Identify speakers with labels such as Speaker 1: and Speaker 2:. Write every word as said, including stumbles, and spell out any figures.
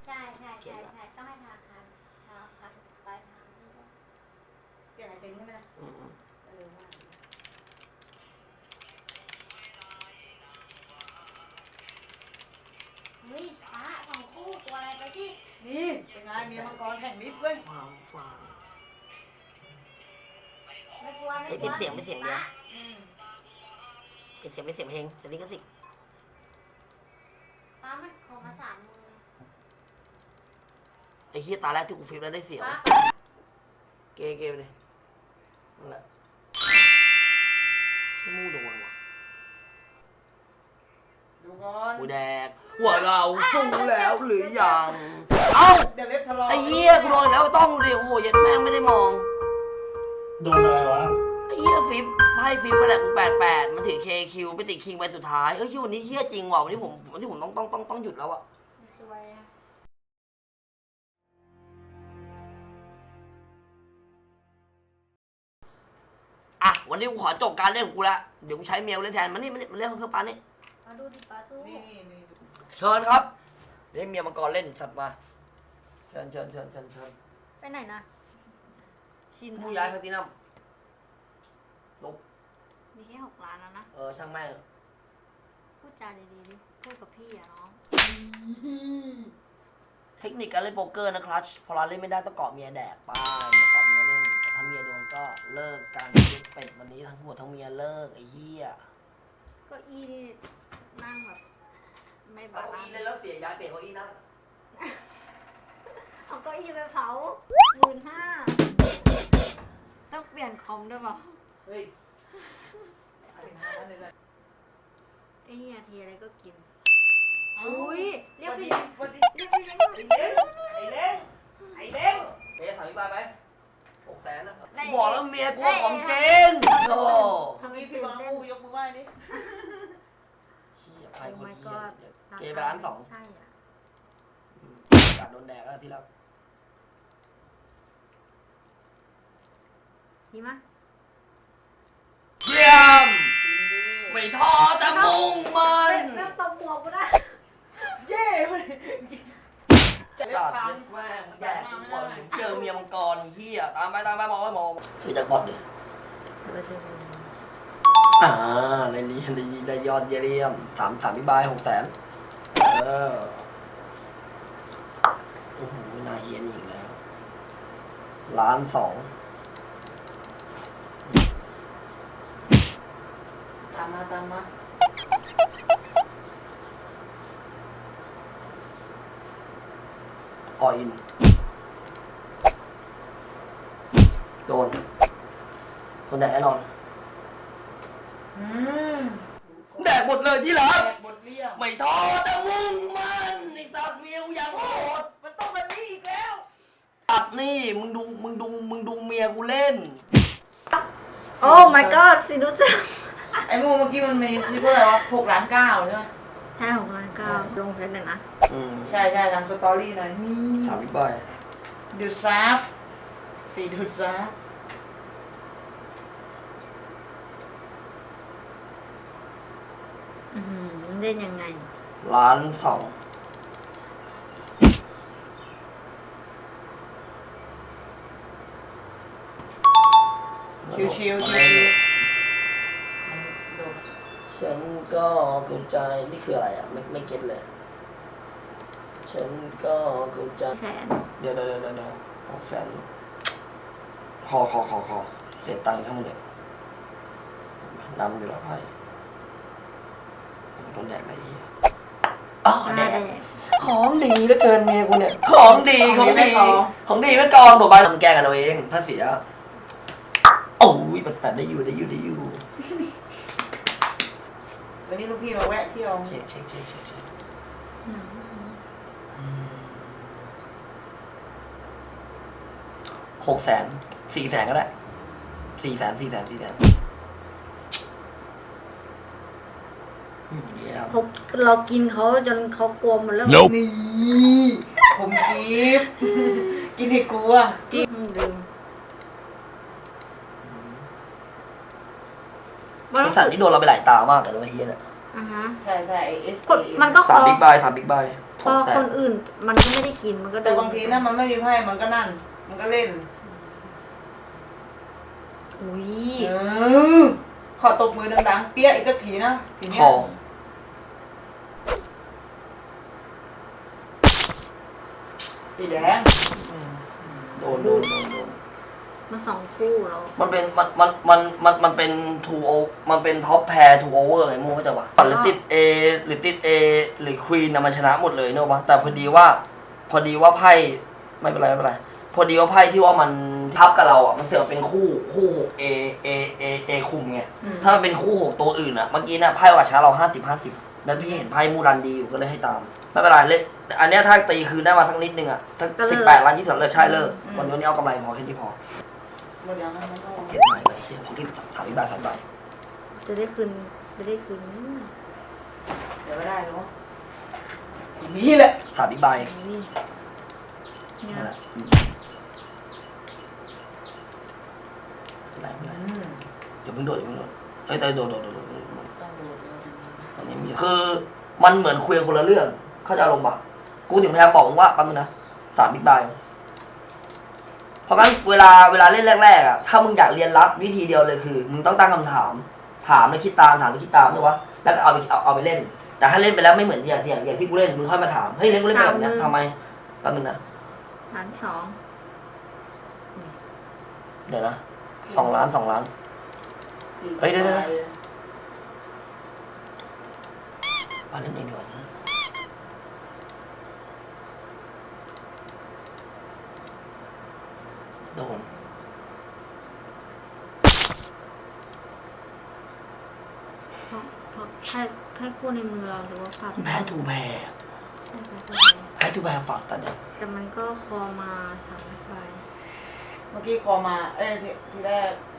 Speaker 1: ใช่ใช่ใช่ใช่ต้องให้ธนาคารธนาคารปลายทาง
Speaker 2: เสียงอะไรเซ็งใช่ไหมล่ะ
Speaker 3: อืม
Speaker 2: เออว่า
Speaker 1: เฮ้ยฟ้าสองคู่ตัวอะไรไปที่
Speaker 2: นี่เป็นไงเมียมังกรแข่งมิตรเว้ย
Speaker 3: ความฟัง
Speaker 1: ไม่กลัวไม่
Speaker 3: เฮ้ย
Speaker 1: ก
Speaker 3: เป็
Speaker 1: ลั
Speaker 3: น
Speaker 1: ว
Speaker 3: เสียงเป็นเสียงเดียว
Speaker 2: อืม
Speaker 3: เป็นเสียงเป็นเสียงเพลงสลิกสิก
Speaker 1: ฟ้ามันขอมาสามมือ
Speaker 3: ไอ้เฮียตาแรกที่กูฟิล์มแล้วได้เสียง
Speaker 1: ฟ้า
Speaker 3: เกย์เกย์ไปเลยนั่นแหละชื่อมู่โดนว่ะ
Speaker 2: ดูก่อน
Speaker 3: กูแดกว่าเราสู้แล้วหรือยังเอ้า
Speaker 2: เดี๋ยวเล็บทะเลาะ
Speaker 3: ไอ้เฮียกูโดนแล้วต้องดูดิโอ้ยยัดแม่งไม่ได้มอง
Speaker 4: โดนอะไรวะ
Speaker 3: ไอ้เฮียฟิปไพ่ฟิปไปแหละกูแปดแปดมันถือเคคิวไปติดคิงไปสุดท้ายเอ้ยวันนี้เฮียจริงว่ะวันนี้ผมวันนี้ผมต้องต้องต้องต้องหยุดแล้วอะ
Speaker 1: สวยอะ
Speaker 3: อ่ะวันนี้กูขอจบการเล่นของกูละเดี๋ยวกูใช้เมลเล่นแทนมันนี่มันนี่มันเล่นเครื่องปั้นนี่
Speaker 1: มาดูดิฟ้าสู้
Speaker 2: นี่นี่นี่
Speaker 3: เชิญครับเดี๋ยวให้เมียมังกรเล่นสัตว์มาเชิญเชิญเชิญเชิญเชิญ
Speaker 1: ไปไหนนะชิน
Speaker 3: ผู้ย้ายแพลตินัมลบ
Speaker 1: มีแค่หกล้านแล้วนะ
Speaker 3: เออช่างแม่ง
Speaker 1: พูดจาดีๆดิพูดกับพี่อะน้อง
Speaker 3: เทคนิคการเล่นโป๊กเกอร์นะครับพอเราเล่นไม่ได้ต้องเกาะเมียแดกไปเกาะเมียเล่นแต่ถ้าเมียโดนก็เลิกกันเป็ดวันนี้ทั้งผัวทั้งเมียเลิกไอ้เหี้ย
Speaker 1: เก็อีนี่นั่งแบบไม่บา
Speaker 3: เก้า
Speaker 1: ลา
Speaker 3: อี้
Speaker 1: นซ์
Speaker 3: เล่นแล้วเสียย้ายเปลี่ยนเก้าอี้นั่ง
Speaker 1: เอาเก้าอี้ไปเผาหมื่นห้าต้องเปลี่ยนคอมด้วยเปล่า
Speaker 2: เฮ้ยเอาถึงห้าเลยแหละ
Speaker 1: ไอ้นี่ทีอะไรก็กิน
Speaker 2: เา
Speaker 1: อุ้ยเรียก
Speaker 2: วัน
Speaker 1: พี่
Speaker 2: ดีวันดี
Speaker 1: เรียกพี่เลี้ยง
Speaker 2: ไอ้เล้งไอ้เล้งไอ้เล้ง
Speaker 3: เอ๊ะถามพี่ปายไหมหกแสนนะ
Speaker 1: ได้
Speaker 3: บอกแล้วเมียกลัวของจริงโอ้
Speaker 1: ทำไม
Speaker 2: นี่พี่
Speaker 1: ตื่น
Speaker 2: มา
Speaker 1: เต้น
Speaker 2: คู่ยกมือไหว้ดิ
Speaker 3: เหี้ยพาย
Speaker 1: โอ้
Speaker 3: คน
Speaker 1: my
Speaker 3: เหี้ย
Speaker 1: god
Speaker 3: เกย์ไปร้านสอง
Speaker 1: ใช่อ่ะ
Speaker 3: อืมกาดโดนแดกแล้วที่รัก
Speaker 1: ชิมะ
Speaker 3: เยี่ยม
Speaker 2: จริงดิ
Speaker 3: ไม่ท้อแต่มุ่งมัน
Speaker 1: แม่งตบหัวกูได้
Speaker 2: เย้เว้ยจะเล็บ
Speaker 3: สัตว์
Speaker 2: พัง
Speaker 3: เย็ดแม่งแดกทุกคนเจอเมียมังกรเฮียตามไปตามไปมองไปมองช่วยจักบอลดิอ่าในนี้ในนี้ได้ยอดเยี่ยมสามสามพิบายหกแสนเออโอ้โหน่าเฮียนอีกแล้วล้านสอง
Speaker 2: ตามมาตามมา
Speaker 3: ออินโดนคนแดกแน่นอน
Speaker 2: อืม
Speaker 3: แดกหมดเลยที่รัก
Speaker 2: แดกบทเรียบ
Speaker 3: ไม่ท้อแต่มุ่งมันไอ้สัตว์วิวอย่างโหด
Speaker 2: มันต้องแบบนี้อีกแล้ว
Speaker 3: ตัดนี่มึงดูมึงดูมึงดูเมียกูเล่น
Speaker 1: โอ้ my god สิดูสิ
Speaker 2: ไอ้โมเมื่อกี้มันมีชื่อว่าอะไรวะหกล้านเก้าใช่ไหม
Speaker 1: ใช่หกล้านเก้าลงเฟซเลยนะ
Speaker 3: อืม
Speaker 2: ใช่ใช่ทำสตอรี่หน่อยนี่
Speaker 3: สามพี่บอย
Speaker 2: ดูดซับสี่ดูดซับ
Speaker 1: อืมเล่นยังไง
Speaker 3: ล้านสอง
Speaker 2: ชิวๆชิวๆชิว
Speaker 3: ฉันก็เข้าใจนี่คืออะไรอ่ะไม่ไม่เก็ตเลย ฉันก็เข้าใจ
Speaker 1: แสน
Speaker 3: เดี๋ยวเดี๋ยวเดี๋ยวเดี๋ยวหกแสนขอขอขอขอเสียตังค์ทั้งหมดเลยนำอยู่แล้วไพ่โดนแดกอะไรเหี้ยอ้าว
Speaker 1: ห
Speaker 3: แด
Speaker 1: น้าก แดง
Speaker 3: ของดีเหลือเกินเมียกูเนี่ยของดีของดีของดีไม่กองตัวใบทำแกล้งกันเอาเองถ้าเสียโอ้ยปัดปัดได้อยู่ได้อยู่ได้อยู่
Speaker 2: วันนี้ลูกพี่มาแวะเที่ยว
Speaker 3: เช็คเช็คเช็คเช็คเช็คหกแสนสี่แสนก็ได้สี่แสนสี่แสนสี่แสนเยี่ยม
Speaker 1: เขาเรากินเขาจนเขากลัวหมดแล้ว
Speaker 2: นี่ผมกิฟกินให้กลัวกิน
Speaker 1: อืมลืม
Speaker 3: ไอสัตว์ที่โดนเราไปหลายตามากเลยนะไอ้เฮียเนี่ย
Speaker 1: ออ่ะฮะ
Speaker 2: ใช่ใช่เอส
Speaker 1: กดมันก็ค
Speaker 3: สาม
Speaker 1: อ
Speaker 3: บิ๊กไบสามบิ๊กไบ
Speaker 1: พอคนอื่นมันก็ไม่ได้กินมันก็
Speaker 2: แต่บางทีนะมันไม่มีไพ่มันก็นั่น มันก็เล่น
Speaker 1: อุ้ย
Speaker 2: เออขอตบมือดังๆเปี้ยอีกก็ทีนะทีเนี้
Speaker 3: ค
Speaker 2: ย
Speaker 3: อ
Speaker 2: สีแดง
Speaker 3: โดนโดนโดนโดน
Speaker 1: มาสองคู่แล้ว
Speaker 3: มันเป็นมันมันมันมันมันเป็นทูโอมันเป็นท็อปแพร์ทูโอเวอร์ไงมูเข้าใจปะหรือติด A หรือติด A หรือควีนนะมันชนะหมดเลยเนอะปะแต่พอดีว่า พอดีว่าไพ่ไม่เป็นไรไม่เป็นไรพอดีว่าไพ่ที่ว่ามันทับกับเราอ่ะมันเสือกเป็นคู่คู่หก A A A A คุมไงถ้ามันเป็นคู่หกตัวอื่นอ่ะเมื่อกี้เนี่ยไพ่ว่าชนะเราห้าสิบห้าสิบแล้วพี่เห็นไพ่มูรันดีอยู่ก็เลยให้ตามไม่เป็นไรเลยอันเนี้ยถ้าตีคืนได้มาสักนิดนึงอ่ะถ้าสิบแปดล้านยี่สิบเลยใช่เลิกวันนี้เอากำไรพอแค่นี้พอ
Speaker 2: หมดยังไงมันก็
Speaker 3: เก็บใหม่เลยเฮียของที่สามใบสามใบ
Speaker 1: จะได้คืนจะได้คืน
Speaker 2: เดี๋ยวไม่ได้เนาะทีนี้แหละ
Speaker 3: สามใบ
Speaker 1: นี่เนี่
Speaker 3: นั่น
Speaker 1: ย
Speaker 3: แหละอืมไม่เป็นไรไม่เป็นไร
Speaker 2: อืม
Speaker 3: อย่าเพิ่งโดดอย่าเพิ่งโดดเฮ้ยแต่โดดโดดโดดโดดโดดโดด
Speaker 2: ต้องดูดูดู
Speaker 3: ตอนนี้มีคือมันเหมือนคุยกันคนละเรื่อง เข้าใจอารมณ์ปะกูถึงพยายามบอกมึงว่าแป๊บนึงนะสามบิ๊กไบเพราะงั้นเวลาเวลาเล่นแรกๆอ่ะถ้ามึงอยากเรียนรับวิธีเดียวเลยคือ มึงต้องตั้งคำถาม ถามแล้วคิดตามถามแล้วคิดตามถูกปะแล้วก็เอาไปเอาเอาไปเล่น แต่ถ้าเล่นไปแล้วไม่เหมือนอย่างอย่างอย่างที่กูเล่นมึงค่อยมาถามเฮ้ยเล่นกูเล่นแบบเนี้ยทำไมแป๊บนึงนะ
Speaker 1: ล้านสอง
Speaker 3: เดี๋ยวนะสองล้านสองล้าน
Speaker 2: สี่
Speaker 3: เฮ้ยเดี๋ยวๆ
Speaker 2: ใบ
Speaker 3: มาเล่นเองดีกว่านะโดน
Speaker 1: เพราะเพราะแค่แค่คู่ในมือเราหรือว่าฝาก
Speaker 3: แพ้ทูแพ้
Speaker 1: ใช่ไหม
Speaker 3: แพ้ทูแพ้ฝากแต่เนี่ย
Speaker 1: แต่มันก็คอมาสามใบ
Speaker 2: เมื่อกี้คอมา เอ้ยทีทีแรก